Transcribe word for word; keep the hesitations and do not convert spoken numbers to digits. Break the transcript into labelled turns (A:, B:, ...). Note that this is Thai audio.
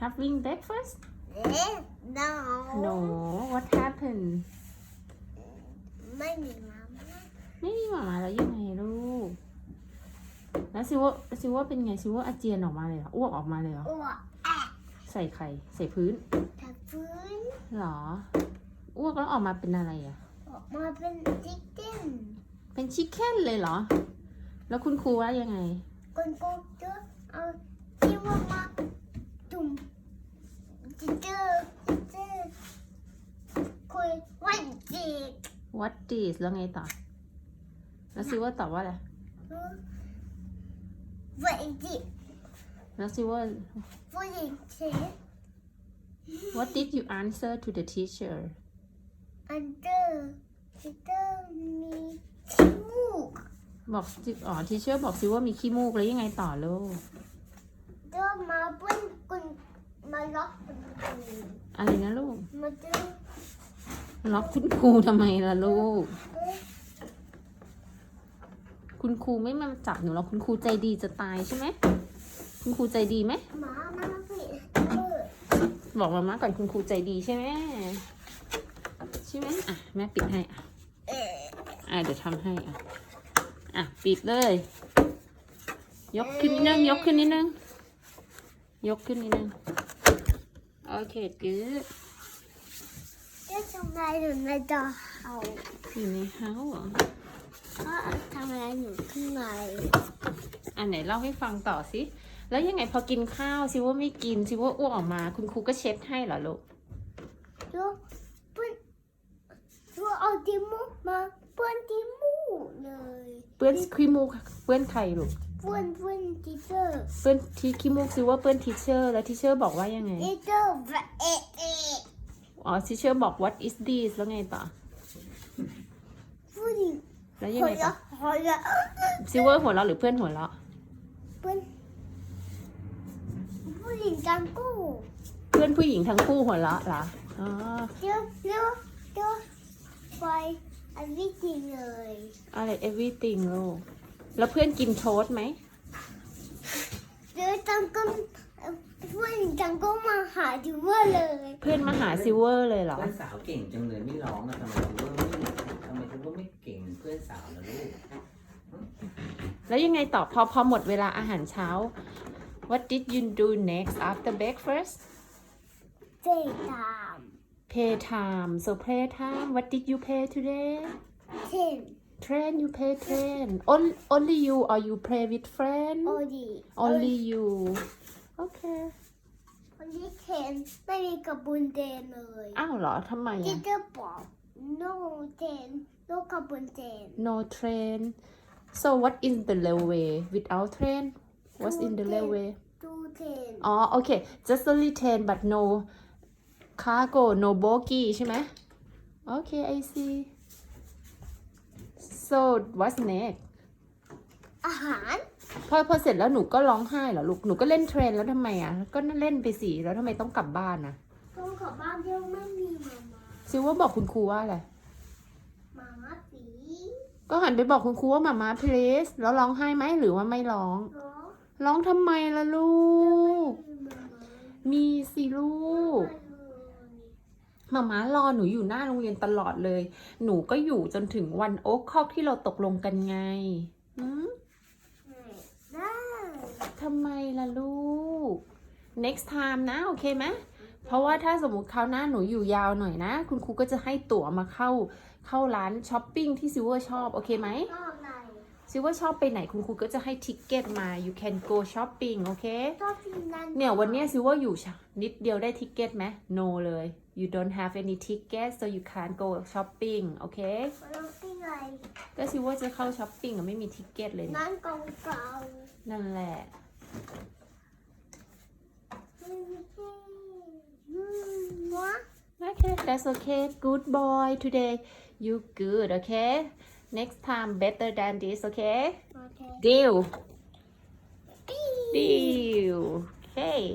A: having breakfast
B: no
A: no what happened
B: ไม่มีมาม่า
A: ไม่มีหมามาแล้วยังไงลูกแล้วซิว่าซิว่าเป็นไงซิว่าอาเจียนออกมาเลยเหรออ้วกออกมาเลยเหรอ
B: อ้วกแอะ
A: ใส่ไข่ใส่พื้น
B: ทับพื้น
A: หรออ้วกแล้วออกมาเป็นอะไรอ่ะ
B: ออกมาเป็นจิ๊กเก้น
A: เป็นชิคเก้นเลยเหรอแล้วคุณครูว่ายังไง
B: คนกูจะเอาที่ว่ามาจุ่มจิ๊กเกอร์จิ๊กเกอร์คุยวันจีก
A: what is แล้วไงต่อแล้วซิว่าตอบว่าอะไร
B: วันจีก
A: แล้วซิว่า
B: วันจี
A: what did you answer to the teacher
B: อันเดอร์จิ๊กเกอร์มีขี้มูก
A: บอกสิอ๋อ teacher บอกซิว่ามีขี้มูกแล้วยังไงต่อลูก
B: เดินมาเพื่อนคุณมาล็อกคุณครู
A: อะไรนะลูก
B: มาเจอ
A: ล็อกคุณครูทำไมล่ะลูก
B: เอ้ย
A: คุณครูไม่มาจับหนูหรอกคุณครูใจดีจะตายใช่ไหมคุณครูใจดีไหม
B: หมามาผิดเออ
A: บอกมาม่าก่อนคุณครูใจดีใช่ไหมใช่ไหมอ่ะแม่ปิดให้อ่ะ
B: เออ
A: อ่ะเดี๋ยวทำให้อ่ะอ่ะปิดเลย ยกขึ้นนิดนึงยกขึ้นนิดนึงยกขึ้นนิดนึงโอเคgood
B: เอ๊ะทำไมหนูในจอเอา
A: อยู่ในเฮาส์เหรอ
B: เพราะทำไมหนูข้างใน
A: อ่ะไหนเล่าให้ฟังต่อสิแล้วยังไงพอกินข้าวซิว่าไม่กินซิว่าอ้วกออกมา คุณครูก็เช็ดให้เหรอลูก
B: ดูเพื่อนดูเอาดิมูกมาเพื่อนดิมูกเลย
A: เปื้อนขี้มูกเปื้อนใครลูก
B: เพื่อนเพื่อนทีเชอร์
A: เปื้อนที่ขี้มูกซิว่าเปื้อนทีเชอร์แล้วทีเชอร์บอกว่ายังไง
B: ทีเชอร์เอะเอะ
A: อ๋อทีเชอร์บอก what is this แล้วไงต่อ
B: ผู้หญิง
A: แล้วยัง
B: หัว
A: ไงต่อ
B: เราะหัวเราะ
A: ซิว่าหัวเราะหรือเพื่อนหัวเราะ
B: เพื่อนผู้หญิงจังกู้
A: เพื่อนผู้หญิงทั้งคู่หัวเราะเหรออ๋อ
B: เดี๋ยวเดี๋ยวเดี๋ยวไปอันนี้จริงเลย
A: อะไร everything ลูกแล้วเพื่อนกินโทสต์ไหม
B: เดี๋ยวจังก็ผู้หญิงจังก็มาหาดิว่าเลย
A: เพื่อนมาหาซิเวอร์เลยเหรอ
C: เพื่อนสาวเก่งจังเลยไม่ร้องอะทำไมคุณว่าไม่ทำไมคุณว่าไม่เก่งเหมือนเพื่อนสาวล่ะลูก
A: แล้วยังไงต่อพอพอหมดเวลาอาหารเช้า what did you do next after breakfast
B: เจ๊ตาม
A: play time so play time what did you play today
B: เช่น
A: train you play train only only you or you play with friend
B: โอดี
A: only you okay
B: วันนี้เทนไม่มีกระบุนเดนเลย
A: อ้าวเหรอทำไม
B: ที่
A: อะ
B: จะบอก no เทน no กระบุนเดน
A: no train so what in the railway without train what's in the railway
B: ดูเทน
A: อ๋อโอเค just only train but no cargo no bogie ใช่ไหมโอเค I see so what's next
B: อาหาร
A: พอพอเสร็จแล้วหนูก็ร้องไห้เหรอลูก หนูก็เล่นเทรนแล้วทำไมอ่ะ ก็เล่นไปสิ แล้วทำไมต้องกลับบ้านนะ
B: ต้องขอบ้านเดียวไม่มีมามา
A: ซิว่าบอกคุณครูว่าอะไร
B: มามาสี
A: ก็หันไปบอกคุณครูว่ามามา please แล้วร้องไห้ไหมหรือว่าไม่ร้อง
B: เนาะ
A: ร้องทำไมล่ะลูก
B: มีมามา
A: มีสิลูก
B: มาเลย
A: มามารอหนูอยู่หน้าโรงเรียนตลอดเลย หนูก็อยู่จนถึงวันโอ๊คคอกที่เราตกลงกันไงหืม
B: ได้
A: ทำไมล่ะลูก next time นะโอเคไหมเพราะว่าถ้าสมมุติคราวหน้าหนูอยู่ยาวหน่อยนะ คุณครูก็จะให้ตั๋วมาเข้าเข้าร้านช้อปปิ้งที่ซิวเวอร์ชอบโอเคไหม
B: ชอบอะไร
A: ซิวเวอร์ชอบไปไหนคุณครูก็จะให้ทิกเก็ตมา you can go shopping โอเค
B: ชอบที่นั่น
A: เนี่ยวันเนี้ยซิวเวอร์อยู่นิดเดียวได้ทิกเก็ตไหม no เลย you don't have any ticket so you can't go shopping โอเค
B: เราที่ไหน
A: ก็ซิวเวอร์จะเข้าช้อปปิ้งอะไม่มีทิกเก็ตเลยเนี่ย
B: นั่นเก่าเก่า
A: นั่นแหละ
B: ไม่มีที่อืมวะ
A: Okay, that's okay. Good boy today. You good, okay? Next time better than this, okay?
B: โอเค
A: Deal.
B: ปี
A: Deal. Okay.